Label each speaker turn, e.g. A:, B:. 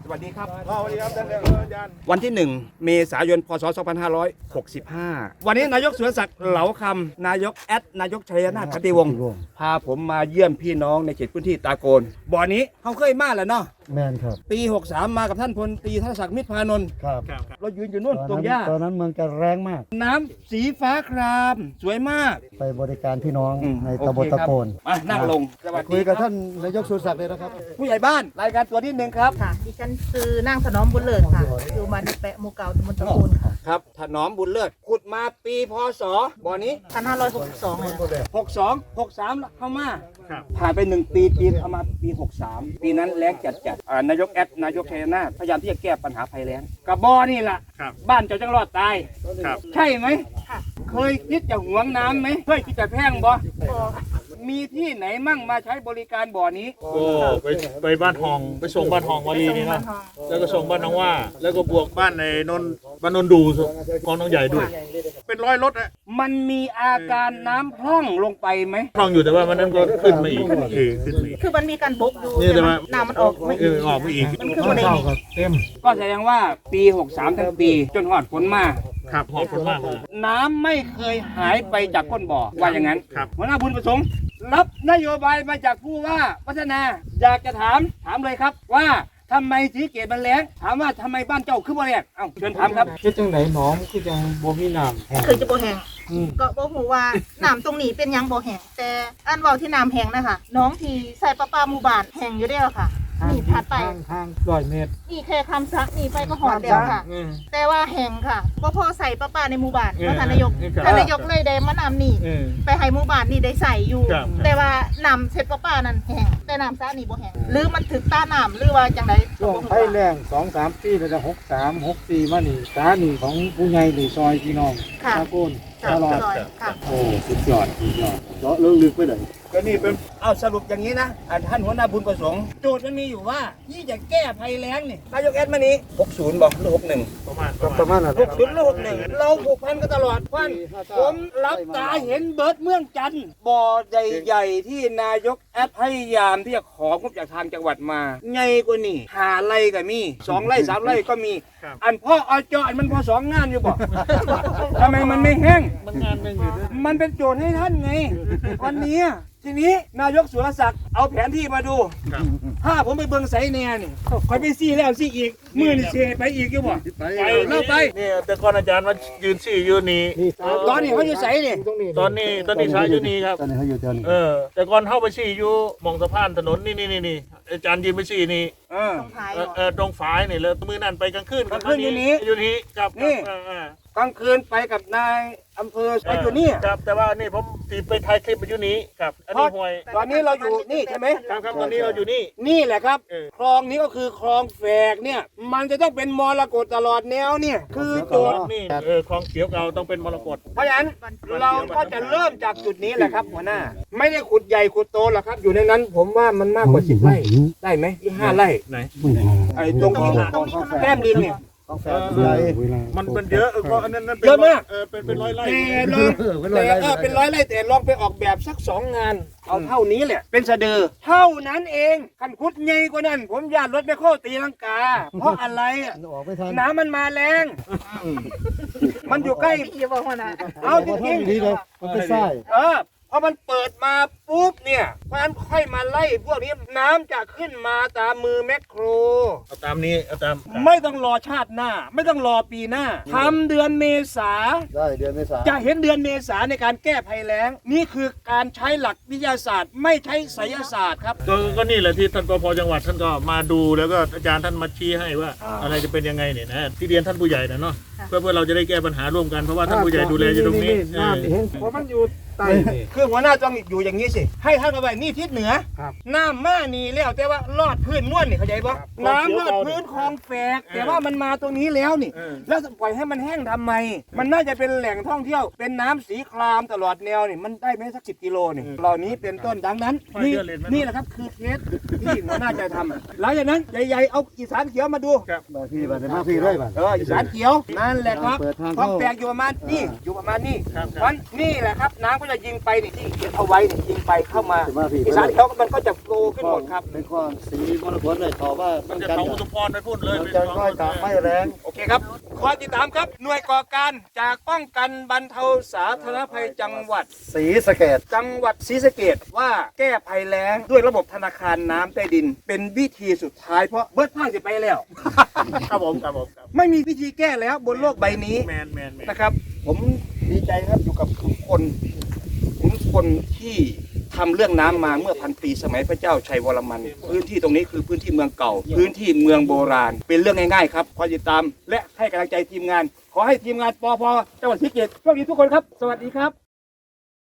A: วัสดีครับ
B: สวัสดีครับท่านอาจารย์
A: วันที่ 1 เมษายน พศ 2565 วันนี้นายกสุรศักดิ์เหลาคำนายกนายกชัยนาทปฏิวงศ์พาผมมาเยี่ยมพี่น้องในเขตพื้นที่ตาโกนบ่อนี้เขาเคยมาแล้วเนาะ
C: แมนครับ
A: ปี 63 มากับท่านพลตรีธนศักดิ์มิตรพานนท์
C: ครับ
A: เรายืนอยู่นู่นตรงหญ้า
C: ตอนนั้นเมืองจะแรงมาก
A: น้ำสีฟ้าครามสวยมาก
C: ไปบริการพี่น้อง
A: อืม
C: ในตำบลตะโกน
A: มานั่งลงสวัส
C: คุ
A: ดี
C: ย
A: ค
C: กั
A: รั
C: บบ ท่านนายกสุรศักดิ์เลยนะครับ
A: ผู้ใหญ่บ้านรายการตัวที่หนึ่งครับ
D: ค่ะดิฉันคือนางถนอมบุญเลิศค่ะ อยู่บ้านในแปะหมู่เก่าตำบลตะโกนค่ะ
A: ครับถนอมบุญเลิศขุดมาปีพศบ่อนี้
D: 1562เลยค่ะ
A: 62 63เข้ามาผ่านไป1 ปีเอามาปี 63 ปีนั้นแล้งจัดนายกนายกชัยนาทพยายามที่จะแก้ปัญหาภัยแล้งกับบ่อนี่แหละบ้านเจ้าจังรอดตายใช่ไหม
D: ค่ะ
A: เคยคิดจะหวงน้ำไหมเคยคิดจะแพงบ่
D: ก็
A: มีที่ไหนมั่งมาใช้บริการบ่อนี้
B: ก็ไปบ้านทองไปส่งบ้านทองวารีนี่
D: บ้า
B: เนาะ
D: นทอง
B: แล้วก็ส่งบ้านน้องว่า แล้วก็บวกบ้านในนนบ้านนนดูกองน้องใหญ่ด้วย เป็นร้อยรถอะ
A: มันมีอาการน้ำพร่องลงไปไหม
B: คลองอยู่แต่ว่ามันนั้นก็ขึ้นมาอีกขึ้นมาอีก
D: คือมันมีการบกอยู่
B: นี่แต่
D: แต่
B: ว่า
D: น้ำมันออกไม่
B: ออกมาอีก
D: มันคืออะไรนี่
B: เต็ม
A: ก็แสดงว่าปี 63 ทั้งปีจนหอดฝนมา
B: ครับหอบคนมากเลย
A: น้ำไม่เคยหายไปจากก้นบ่อว่าอย่างนั้น
B: ครับ
A: หัวหน้าบุญประสงค์รับนโยบายมาจากผู้ว่าพัฒนา อยากจะถามเลยครับว่าทำไมสีเกตมันแล้งถามว่าทำไมบ้านเจ้าขึ้นบ่แล้งเอ้าเชิญถามครับ
E: คือจังไหนหน้องคือจังบ่มีน้ำ
D: คือจะบ่แห้งก็บ่ฮู้ว่าน้ำตรงนี้เป็นหยังบ่แห้งแต่อันเว้าที่น้ำแห้งนะคะน้องที่ใส่ประปาหมู่บ้านแห้งอยู่เด้อค่ะ นี่ถัดไป
E: ทาง100 เมตร
D: นี่แค่คำซักนี่ไปก็หอดแล้วค่ะ แต่ว่าแห้งค่ะบ่พอใส่ประปาในหมู่บ้านเพราะท่านนายกเลยได้มานำนี่ ไปให้หมู่บ้านนี่ได้ใส่อยู่
B: ครับ
D: แต่ว่าน้ำเช็ดประปานั่นแห้งแต่น้ำซักนี่บ่แห้งหรือมันถึกตาน้ำหรือว่าจังได
E: ช่วงไฟแรง2-3 ปีแล้วก็63 64มานี่สานี่ของผู้ใหญ่นี่ซอยพี่น้อง
D: ค่ะ
E: ตะโกน
D: ค่ะ
E: ตลอด
D: ค่ะ
E: โอ้สุดยอดเจาะลึกไปเลย
B: ก็นี่เป็น
A: เอาสรุปอย่างนี้นะท่านหัวหน้าบุญประสงค์โจทย์มันมีอยู่ว่าที่จะแก้ภัยแล้งนี่นายกมานี้60บอกหรือ61
B: ประมาณ
E: นั้น
A: 60หรือ61เราผูกพันกันตลอดพันผมรับตาเห็นเบิร์ดเมืองจันทร์บ่อใหญ่ๆที่นายกพยายามที่จะของบจากทางจังหวัดมาใหญ่กว่านี่5 ไร่ก็มี2 ไร่ 3 ไร่ก็มี อันพ่อเอาจออันมันพอ2 งานอยู่บ่ ทำไมมันไม่แห้ง
E: มันงานนึงอยู่ด้วย
A: มันเป็นโจทย์ให้ท่านไง วันนี้ทีนี้นายกสุรศักดิ์เอาแผนที่มาดู ถ้าผมไปเบิ่งไสแน่นี่คอยไปซี่แล้วซี่อีกมือนี่เสียไปอีกอยู่บ่
B: ไป
A: เล่าไป
B: นี่แต่ก่อนอาจารย์มายืนสี่อยู่นี่
A: ตอนนี้เขาอยู่ไสนี่
B: ตอนนี้ใช้อยู่นี่ครับ
C: ตอนนี้เขาอยู่แถวนี้
B: แต่ก่อนเข้าไปสี่อยู่มองสะพานถนนนี่อาจารย์ยืนไปสี่นี่
A: เออ
D: ตรงท้าย
B: ตรงฝายนี่แล้วมือนั่นไปกลางคืน
A: กลางคืนอยู่นี่
B: อยู่นี่ครับ
A: นี่
B: เออ
A: กลางคืนไปกับนายอำเภอไปอยู่นี่
B: ครับแต่ว่านี่ผมตีไปถ่ายคลิปไปอยู่นี้ครับอันนี้ห่วย
A: ตอนนี้เราอยู่นี่ใช่ไหม
B: ครับตอนนี้เราอยู่นี่
A: นี่แหละครับ
B: เออ
A: คลองนี้ก็คือคลองแฝกเนี่ย มันจะต้องเป็นมรกตตลอดแนวเนี่ย คือโจทย์
B: นี่คลองเขียวเก่าต้องเป็นมรกต
A: เพราะฉะนั้นเราก็จะเริ่มจากจุดนี้แหละครับหัวหน้า ไม่ได้ขุดใหญ่ขุดโตหรอกครับ อยู่ในนั้น ผมว่ามันมากกว่า10 ไร่ได้ไหมที่5 ไร่
B: ไหน
A: ไอ้ตรงที่แก้มดินเนี่ย
C: ต้องแฝงใหญ่
B: มันเยอะเพราะอันนั้นเป็น
A: เยอะมาก
B: เป็นร้อยไร่
A: แต่ลองเป็นร้อยไร่แต่ลองไปออกแบบสัก2 งาน เอาเท่านี้แหละ เป็นสะดือเท่านั้นเองขันคุดใหญ่กว่านั้น ผมญาติรถไปโคตีลังกา เพราะอะไรอะ
C: ออกไม่ทัน
A: น้ำมันมาแรง มันอยู่ใกล้
D: พี่บอกว่านะ
A: เอาจ
C: พอ
A: ริ
C: ทำ
A: ง
C: ดีเลยมันเป็นไส้
A: พอมันเปิดมาปุ๊บเนี่ยมันค่อยมาไล่พวกนี้น้ำจะขึ้นมาตามมือแมคโคร
B: เอาตามนี้เอาตาม
A: ไม่ต้องรอชาติหน้า ไม่ต้องรอปีหน้าทำเดือนเมษา
C: ได้เดือนเมษา
A: จะเห็นเดือนเมษาในการแก้ภัยแล้ง นี่คือการใช้หลักวิทยาศาสตร์ ไม่ใช้ไสยศาสตร์ครับ
B: ก็นี่แหละที่ท่านปภจังหวัดท่านก็มาดูแล้วก็อาจารย์ท่านมาชี้ให้ว่า อะไรจะเป็นยังไงเนี่ยนะที่เรียนท่านผู้ใหญ่นะเนาะเพื่อเราจะได้แก้ปัญหาร่วมกันเพราะว่าท่านผู้ใหญ่ดูแลอยู่ตรงนี้
E: น้ำเห็นเพราะมันอยู่ใต้นี่
A: คือหัวหน้าต้องอยู่อย่างนี้สิ ให้ท่านเอาไว้นี่ทิศเหนือ
E: ครับ
A: น้ำมานี่แล้วแต่ว่าลอดพื้นม้วนนี่เข้าใจปะน้ำลอดพื้นคลองแฝกแต่ว่ามันมาตรงนี้แล้วนี่ แล้วปล่อยให้มันแห้งทำไม มันน่าจะเป็นแหล่งท่องเที่ยว เป็นน้ำสีครามตลอดแนวนี่มันได้ไหมสัก10 กิโลนี่เหล่านี้เป็นต้นดังนั้นนี่แหละครับคือเคสที่หัวหน้าจะทำหลังจากนั้นใหญ่ๆเอาอีสานเขียวมาดู
C: บางทีแบบมาพี่ด้วยบ้าง
A: อีสานเขียวนั่นแหละครับ
C: เปิดทาง
A: คลอง
C: เข้า
A: แฝกอยู่ประมาณนี่เพราะนี่แหละครับน้ำก็วลายิงไปนี่ที่เขียนเอาไว้นี่ยิงไปเข้ามา
C: จะมาพี่
A: อีสานเขามันก็จะโฟลขึ้นหมดครับ
C: ในความสีมรกตเลยเขาว่า
B: มันจะ
C: กัน
B: เขาอุทุมพรไปพูดเลย
C: มันจะค่อยตามไม่แรง
A: โอเคครับข้อที่3ครับหน่วยก่อการจากป้องกันบรรเทาสาธารณภัยจังหวัด
C: สีสะเกด
A: จังหวัดศรีสะเกษว่าแก้ภัยแล้งด้วยระบบธนาคารน้ำใต้ดิน เป็นวิธีสุดท้ายเพราะเบิร์ดพ่ายจะไปแล้ว
B: ครับผมครับผมครับ
A: ไม่มีวิธีแก้แล้วบนโลกใบนี้
B: แมน
A: นะครับ ผมดีใจครับอยู่กับทุกคนที่ทำเรื่องน้ำมาเมื่อพันปีสมัยพระเจ้าชัยวรมัน พื้นที่ตรงนี้คือพื้นที่เมืองเก่า พื้นที่เมืองโบราณ เป็นเรื่องง่ายๆครับขอติดตามและให้กำลังใจทีมงาน ขอให้ทีมงานปพจังหวัดศรีสะเกษโชคดีทุกคนครับ สวัสดีครับ